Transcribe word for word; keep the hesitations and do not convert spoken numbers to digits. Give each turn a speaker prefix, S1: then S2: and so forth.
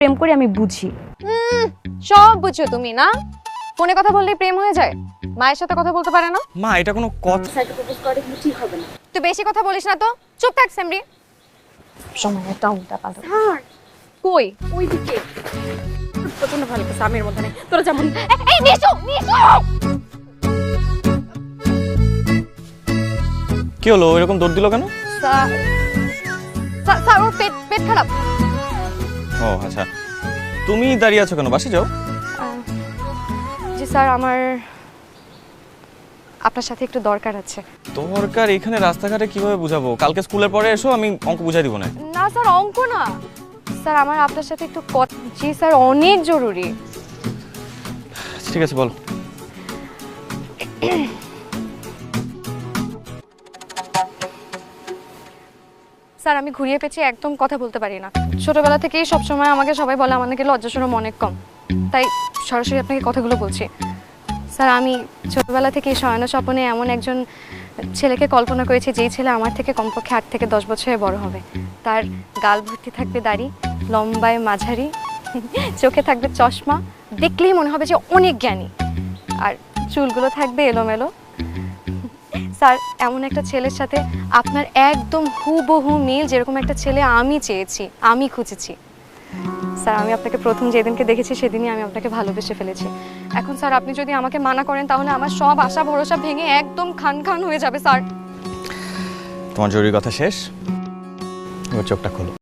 S1: প্রেম করি আমি বুঝি।
S2: হুম সব বুঝছো তুমি না? ফোনে কথা বললেই প্রেম হয়ে যায়? মায়ের সাথে কথা বলতে পারে না?
S3: মা এটা কোনো কথা?
S1: স্যারকে প্রপোজ করে কিন্তু ঠিক হবে না।
S2: তুই বেশি কথা বলিস না তো, চুপ থাক সেমরি।
S1: সময় একটা উল্টা পাল্টা।
S2: হ্যাঁ কই?
S1: ওইদিকে প্রচন্ড ভালো লাগছে আমের মধ্যে নেই তোরা যেমন।
S2: এই নিশু নিশু
S3: কি হলো এরকম দৌড় দিল কেন?
S2: স্যার স্যার- স্যার ওর পেট পেট খারাপ।
S3: ও আচ্ছা, তুমি দাঁড়িয়ে আছো কেন? বাসে যাও।
S2: জি স্যার, আমার আপনার সাথে একটু দরকার আছে।
S3: দরকার এখানে রাস্তাঘাটে কিভাবে বুঝাবো? কালকে স্কুলের পরে এসো, আমি অঙ্ক বুঝাই দিব না।
S2: না স্যার অঙ্ক না স্যার, আমার আপনার সাথে একটু কথা। জি স্যার অনেক জরুরি।
S3: ঠিক আছে বল।
S2: স্যার আমি ঘুরিয়ে পেঁচিয়ে একদম কথা বলতে পারি না। ছোটবেলা থেকেই সবসময় আমাকে সবাই বলে আমার নাকি লজ্জা শরম অনেক কম, তাই সরাসরি আপনাকে কথাগুলো বলছি। স্যার আমি ছোটবেলা থেকেই শয়ন স্বপ্নে এমন একজন ছেলেকে কল্পনা করেছি যেই ছেলে আমার থেকে কমপক্ষে আট থেকে দশ বছরের বড় হবে। তার গাল ভর্তি থাকবে দাড়ি, লম্বায় মাঝারি, চোখে থাকবে চশমা, দেখলেই মনে হবে যে অনেক জ্ঞানী, আর চুলগুলো থাকবে এলোমেলো। স্যার এমন একটা ছেলের সাথে আপনার একদম হুবহু মিল, যেরকম একটা ছেলে আমি চেয়েছি, আমি খুঁজেছি। স্যার আমি আপনাকে প্রথম যেদিনকে দেখেছি সেদিনই আমি আপনাকে ভালোবেসে ফেলেছি। এখন স্যার আপনি যদি আমাকে মানা করেন তাহলে আমার সব আশা ভরসা ভেঙে একদম খান খান হয়ে যাবে স্যার।
S3: তোমার জরুরি কথা শেষ, এবার চোখটা খোলো।